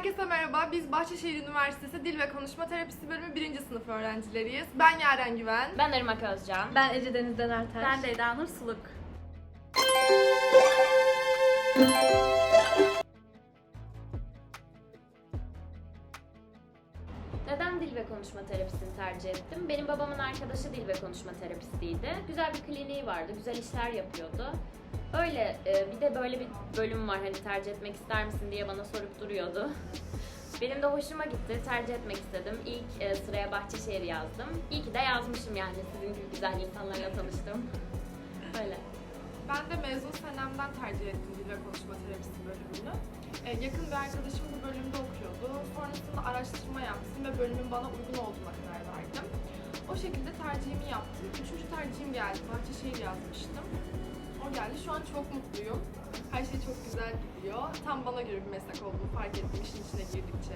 Herkese merhaba. Biz Bahçeşehir Üniversitesi Dil ve Konuşma Terapisi Bölümü 1. sınıf öğrencileriyiz. Ben Yaren Güven. Ben Irmak Özcan. Ben Ece Denizden Ertaş. Ben de Eda Nur Suluk. Neden dil ve konuşma terapisini tercih ettim? Benim babamın arkadaşı dil ve konuşma terapistiydi. Güzel bir kliniği vardı, güzel işler yapıyordu. Öyle bir de böyle bir bölüm var, hani tercih etmek ister misin diye bana sorup duruyordu. Benim de hoşuma gitti, tercih etmek istedim. İlk sıraya Bahçeşehir yazdım. İyi ki de yazmışım, yani sizin gibi güzel insanlarla tanıştım. Öyle. Ben de mezun senemden tercih ettim Dil ve Konuşma Terapisi bölümünü. Yakın bir arkadaşım bu bölümde okuyordu. Sonrasında araştırma yaptım ve bölümün bana uygun olduğuna karar verdim. O şekilde tercihimi yaptım. 3. tercihim geldi. Bahçeşehir yazmıştım. O geldi. Şu an çok mutluyum. Her şey çok güzel gidiyor. Tam bana göre bir meslek olduğunu fark ettim işin içine girdikçe.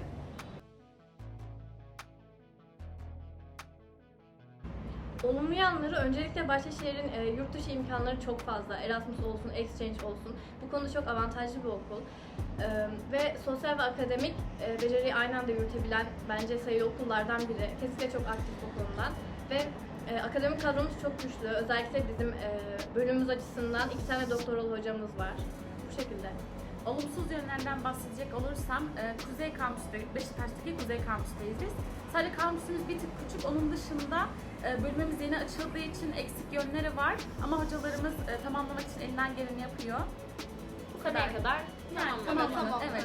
Olumlu yanları öncelikle Bahçeşehir'in yurt dışı imkanları çok fazla. Erasmus olsun, exchange olsun. Bu konuda çok avantajlı bir okul. Ve sosyal ve akademik beceriyi aynı anda yürütebilen bence sayılı okullardan biri. Kesinlikle çok aktif bu konudan. Ve akademik kadromuz çok güçlü. Özellikle bizim bölümümüz açısından 2 tane doktoralı hocamız var. Bu şekilde. Olumsuz yönlerden bahsedecek olursam Kuzey Kampüs'te, Beşiktaş'taki Kuzey Kampüs'teyiz biz. Sadece kampüsümüz bir tık küçük, onun dışında bölümümüz yeni açıldığı için eksik yönleri var. Ama hocalarımız tamamlamak için elinden geleni yapıyor. Bu seneye kadar Yani tamamlanır. Evet.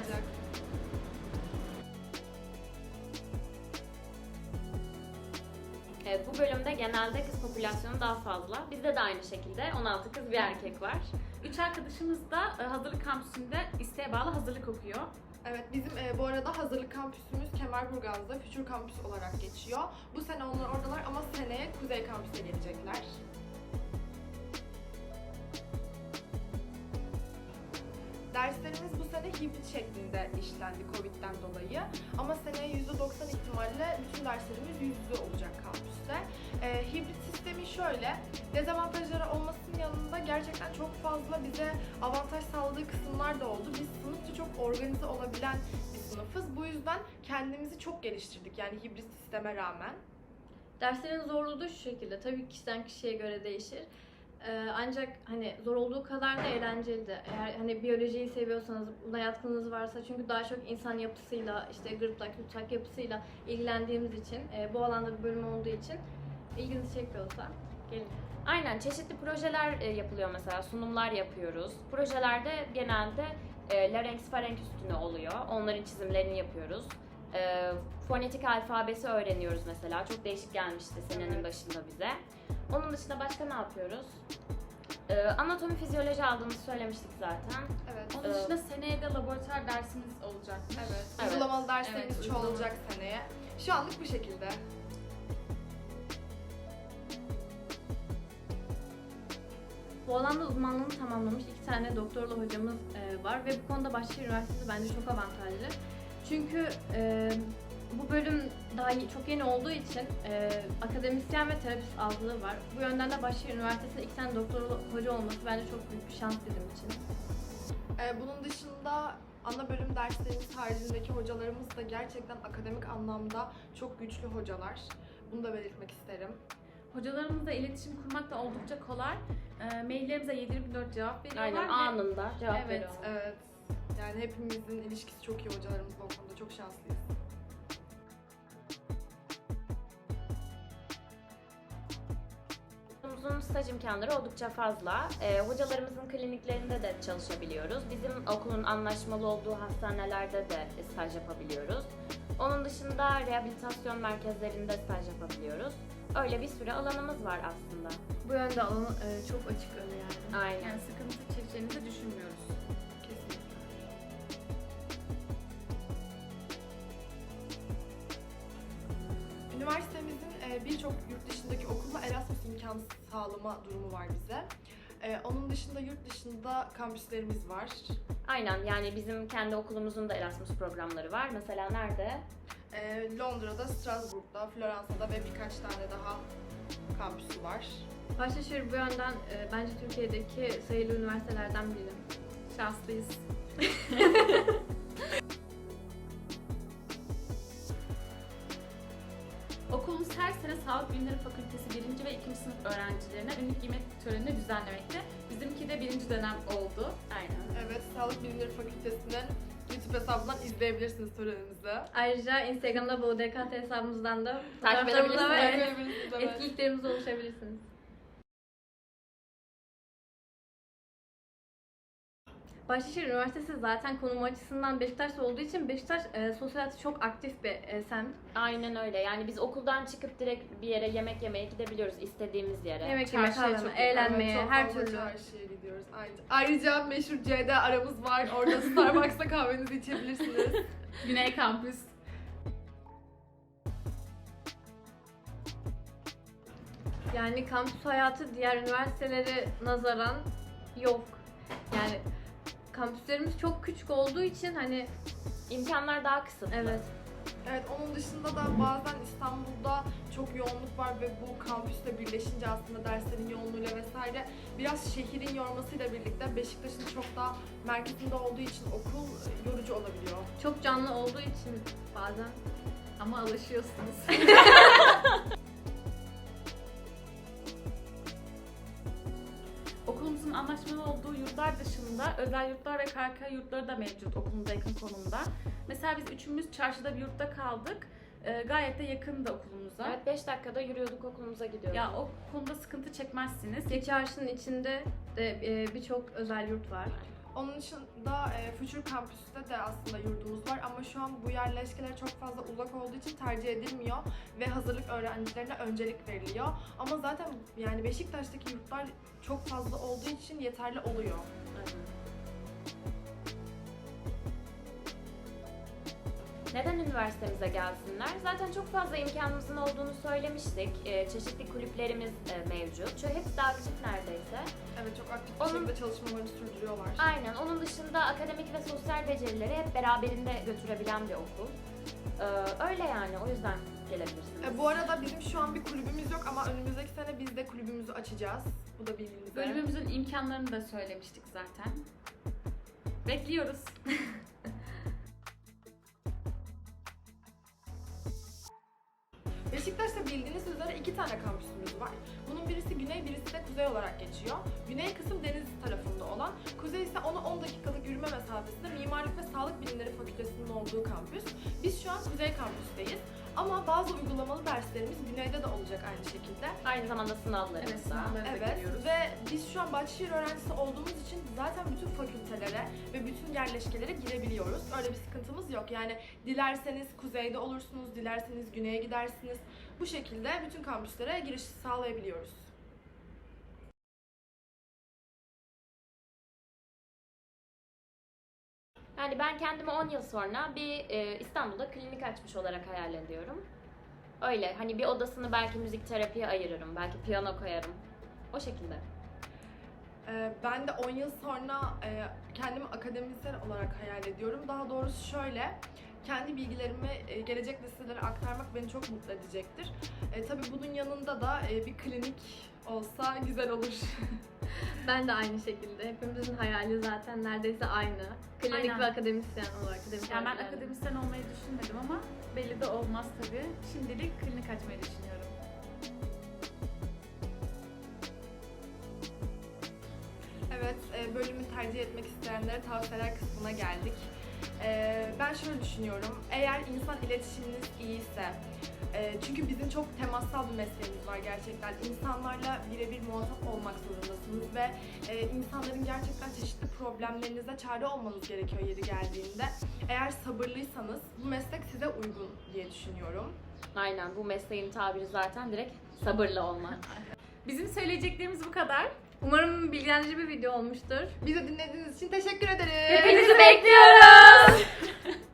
Evet, bu bölümde genelde kız popülasyonu daha fazla. Bizde de aynı şekilde 16 kız bir erkek var. 3 arkadaşımız da hazırlık kampüsünde isteğe bağlı hazırlık okuyor. Evet, bizim bu arada hazırlık kampüsümüz Kemerburgaz'da Future Kampüs olarak geçiyor. Bu sene onlar oradalar ama seneye Kuzey Kampüs'e gelecekler. Derslerimiz bu sene hibrit şeklinde işlendi Covid'den dolayı. Ama seneye %90 ihtimalle bütün derslerimiz yüz yüze olacak kampüste. Hibrit sistemi şöyle, dezavantajları olmasının yanında gerçekten çok fazla bize avantaj sağladığı kısımlar da oldu. Biz sınıfça çok organize olabilen bir sınıfız. Bu yüzden kendimizi çok geliştirdik, yani hibrit sisteme rağmen. Derslerin zorluğu da şu şekilde. Tabii kişiden kişiye göre değişir. Ancak hani zor olduğu kadar da eğlenceli de. Eğer hani biyolojiyi seviyorsanız, buna yatkınlığınız varsa, çünkü daha çok insan yapısıyla, işte gırtlak, yutak yapısıyla ilgilendiğimiz için, bu alanda bir bölüm olduğu için ilginizi çekiyorsa gelin. Aynen, çeşitli projeler yapılıyor, mesela sunumlar yapıyoruz. Projelerde genelde larynx farenk üstüne oluyor. Onların çizimlerini yapıyoruz. Fonetik alfabesi öğreniyoruz mesela. Çok değişik gelmişti senenin Evet. başında bize. Onun dışında başka ne yapıyoruz? Anatomi, fizyoloji aldığımızı söylemiştik zaten. Evet. Onun dışında seneye de laboratuvar dersimiz olacak. Evet. Evet. Uygulamalı derslerimiz Evet, çoğalacak seneye. Şu anlık bu şekilde. Bu alanda uzmanlığını tamamlamış 2 tane doktorlu hocamız var ve bu konuda Bahçeşehir Üniversitesi bence çok avantajlı. Çünkü bu bölüm daha çok yeni olduğu için akademisyen ve terapist azlığı var. Bu yönden de Bahçeşehir Üniversitesi'nde 2 tane doktorlu hoca olması bence çok büyük bir şans bizim için. Bunun dışında ana bölüm derslerimiz haricindeki hocalarımız da gerçekten akademik anlamda çok güçlü hocalar. Bunu da belirtmek isterim. Hocalarımızla iletişim kurmak da oldukça kolay. Maillerimize 7/24 cevap veriyorlar. Aynen, ve anında cevap Evet, veriyorlar. Evet. Yani hepimizin ilişkisi çok iyi hocalarımızla, o konuda çok şanslıyız. Okulumuzun staj imkanları oldukça fazla. Hocalarımızın kliniklerinde de çalışabiliyoruz. Bizim okulun anlaşmalı olduğu hastanelerde de staj yapabiliyoruz. Onun dışında rehabilitasyon merkezlerinde staj yapabiliyoruz. Öyle bir sürü alanımız var aslında. Bu yönde alanı çok açık önü yani. Aynen. yani sıkıntı çekeceğimizi düşünmüyoruz. Kesinlikle. Üniversitemizin birçok yurt dışındaki okulla Erasmus imkanı sağlama durumu var bize. Onun dışında yurt dışında kampüslerimiz var. Aynen, yani bizim kendi okulumuzun da Erasmus programları var. Mesela nerede? Londra'da, Strasbourg'da, Floransa'da ve birkaç tane daha kampüsü var. Bahçeşehir bu yönden bence Türkiye'deki sayılı üniversitelerden biri. Şanslıyız. sene Sağlık Bilimleri Fakültesi 1. ve 2. sınıf öğrencilerine ünlük giyme törenini düzenlemekte. Bizimki de 1. dönem oldu. Aynen. Evet, Sağlık Bilimleri Fakültesi'nin YouTube hesabından izleyebilirsiniz törenimizi. Ayrıca Instagram'da bu DKT hesabımızdan da Takip fotoğraflarımıza ve Izleyebilirsiniz, evet. etkinliklerimize ulaşabilirsiniz. Bahçeşehir Üniversitesi zaten konumu açısından Beşiktaş'ta olduğu için Beşiktaş sosyal hayatı çok aktif bir semt. Aynen öyle. Yani biz okuldan çıkıp direkt bir yere yemek yemeye gidebiliyoruz istediğimiz yere. Yemek yemeye, Çarşıya kahve, çok eğlenmeye, Evet, çok her fazla türlü. çarşıya gidiyoruz. Ayrıca meşhur C'de aramız var. Orada Starbucks'ta kahvenizi içebilirsiniz. Güney Kampüs. Yani kampüs hayatı diğer üniversitelere nazaran yok. Yani kampüslerimiz çok küçük olduğu için hani İmkanlar daha kısıtlı. evet. Evet, onun dışında da bazen İstanbul'da çok yoğunluk var ve bu kampüsle birleşince aslında derslerin yoğunluğuyla vesaire biraz şehrin yormasıyla birlikte Beşiktaş'ın çok daha merkezinde olduğu için okul yorucu olabiliyor. Çok canlı olduğu için bazen. Ama alışıyorsunuz. Okulumuzun anlaşmalı olduğu yurtlar dışında özel yurtlar ve KK yurtları da mevcut okulumuza yakın konumda. Mesela biz üçümüz çarşıda bir yurtta kaldık. Gayet de yakındı okulumuza. Evet, 5 dakikada yürüyorduk, okulumuza gidiyorduk. Ya o konuda sıkıntı çekmezsiniz. Ki çarşının içinde de birçok özel yurt var. Onun dışında Future Campus'ta de aslında yurdumuz var ama şu an bu yerleşkeler çok fazla uzak olduğu için tercih edilmiyor ve hazırlık öğrencilerine öncelik veriliyor. Ama zaten yani Beşiktaş'taki yurtlar çok fazla olduğu için yeterli oluyor. Neden üniversitemize gelsinler? Zaten çok fazla imkanımızın olduğunu söylemiştik. Çeşitli kulüplerimiz mevcut. Hepsi de aktif neredeyse. Evet, çok aktif bir Onun- şekilde çalışmalarını sürdürüyorlar. Aynen. Onun dışında akademik ve sosyal becerileri hep beraberinde götürebilen bir okul. Öyle yani. O yüzden gelebilirsiniz. Bu arada bizim şu an bir kulübümüz yok ama önümüzdeki sene biz de kulübümüzü açacağız. Bu da bilginize. Bölümümüzün imkanlarını da söylemiştik zaten. Bekliyoruz. Beşiktaş'ta bildiğiniz üzere 2 tane kampüsümüz var. Bunun birisi güney, birisi de kuzey olarak geçiyor. Güney kısım deniz tarafında olan, kuzey ise onu 10 dakikalık yürüme mesafesinde Mimarlık ve Sağlık Bilimleri Fakültesi'nin olduğu kampüs. Biz şu an kuzey kampüsteyiz. Ama bazı uygulamalı derslerimiz güneyde de olacak aynı şekilde. Aynı zamanda sınavlarımız Evet, da. sınavları da Evet geliyoruz. ve biz şu an Bahçeşehir öğrencisi olduğumuz için zaten bütün fakültelere ve bütün yerleşkelere girebiliyoruz. Öyle bir sıkıntımız yok. Yani dilerseniz kuzeyde olursunuz, dilerseniz güneye gidersiniz. Bu şekilde bütün kampüslere giriş sağlayabiliyoruz. Yani ben kendimi 10 yıl sonra bir İstanbul'da klinik açmış olarak hayal ediyorum. Öyle hani bir odasını belki müzik terapiye ayırırım, belki piyano koyarım. O şekilde. Ben de 10 yıl sonra kendimi akademisyen olarak hayal ediyorum. Daha doğrusu şöyle, kendi bilgilerimi gelecek nesillere aktarmak beni çok mutlu edecektir. Tabii bunun yanında da bir klinik olsa güzel olur. Ben de aynı şekilde. Hepimizin hayali zaten neredeyse aynı. Klinik Aynen. ve akademisyen olarak. Yani ben akademisyen olmayı düşünmedim ama belli de olmaz tabii. Şimdilik klinik açmayı düşünüyorum. Evet, bölümü tercih etmek isteyenlere tavsiyeler kısmına geldik. Ben şöyle düşünüyorum, eğer insan iletişiminiz iyiyse, çünkü bizim çok temassal bir mesleğimiz var gerçekten. İnsanlarla birebir muhatap olmak zorundasınız ve insanların gerçekten çeşitli problemlerinize çare olmanız gerekiyor yeri geldiğinde. Eğer sabırlıysanız bu meslek size uygun diye düşünüyorum. Aynen, bu mesleğin tabiri zaten direkt sabırlı olmak. Bizim söyleyeceklerimiz bu kadar. Umarım bilgilendirici bir video olmuştur. Bizi dinlediğiniz için teşekkür ederiz. Hepinizi bekliyoruz.